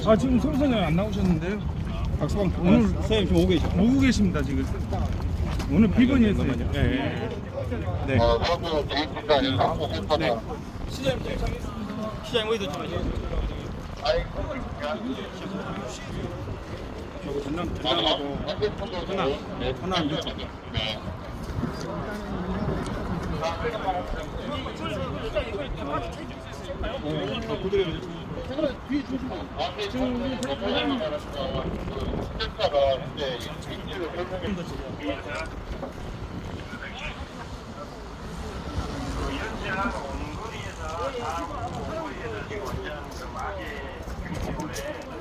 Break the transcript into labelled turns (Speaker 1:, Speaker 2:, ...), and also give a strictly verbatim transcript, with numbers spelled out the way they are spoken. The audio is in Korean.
Speaker 1: 아 지금 소리선장 안 나오셨는데요? 박수방 오늘
Speaker 2: 선생님 지금 오고 계시죠?
Speaker 1: 오고 계십니다 지금. 오늘 비번이었어요. 예. 예. 네.
Speaker 3: 어, 서구 대입국가에 사고 센터는
Speaker 2: 시장님 도착했습니다. 시장님 어디 도착하셨어요?
Speaker 3: 아이고,
Speaker 1: 저거 전남 전남하고
Speaker 3: 하나, 네,
Speaker 1: 하나 안 좋죠.
Speaker 3: 네.
Speaker 1: 어, 그대로.
Speaker 3: 앞에 지금 스태프가 이제 인지를 설명해
Speaker 4: 연세하고 원거리에서 다 원거리에서 지금 원장 좀 아재 때문에